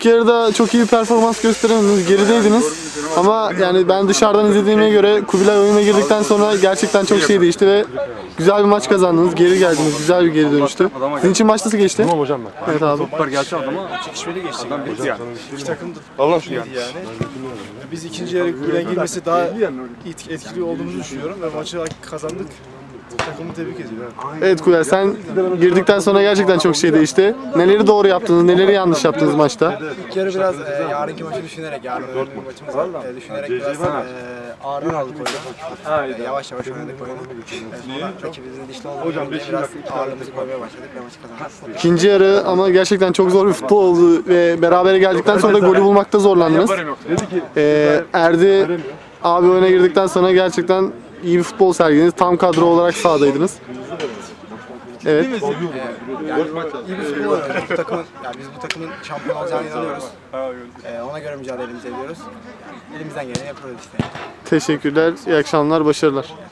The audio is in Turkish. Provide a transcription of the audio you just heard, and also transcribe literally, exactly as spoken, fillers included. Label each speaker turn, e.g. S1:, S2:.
S1: İlk yarıda çok iyi bir performans gösteremediniz, gerideydiniz. Ama yani ben dışarıdan izlediğime göre Kubilay oyuna girdikten sonra gerçekten çok şey değişti ve güzel bir maç kazandınız, geri geldiniz, güzel bir geri dönüştü. Sizin için maç nasıl geçti?
S2: Tamam hocam ben.
S1: Evet abi.
S3: Toplar gelse adama çekişmeli geçti. Adam bitti yani.
S4: İki takım da
S2: Allah şu
S4: iyiydi yani. Biz ikinci yarı gülen girmesi daha etkili olduğumuzu düşünüyorum ve maçı kazandık. Takımı tebrik ediyorum.
S1: Evet Kubilay, sen girdikten sonra gerçekten çok şey değişti. Neleri doğru yaptınız, neleri yanlış yaptınız maçta?
S5: İlk yarı biraz e, yarınki maçı düşünerek, yarın önemli bir maçımız var. E, düşünerek biraz e, ağır aldık oyunu. E, yavaş yavaş oynadık oyunu. E, sonra rakibimizin dişli olduğunu biraz ağırlığımızı koymaya başladık ve maçı kazandık.
S1: İkinci yarı ama gerçekten çok zor bir futbol oldu ve berabere geldikten sonra da golü bulmakta zorlandınız. Ee, Erdi abi oyuna girdikten sonra gerçekten iyi bir futbol sergilediniz. Tam kadro olarak sahadaydınız. Evet.
S5: Yani iyi bir futbol oynuyoruz. Bu takımın, yani biz bu takımın şampiyon olacağına inanıyoruz. E, ona göre mücadelemizi ediyoruz. Elimizden geleni yapıyoruz işte.
S1: Teşekkürler. İyi akşamlar. Başarılar.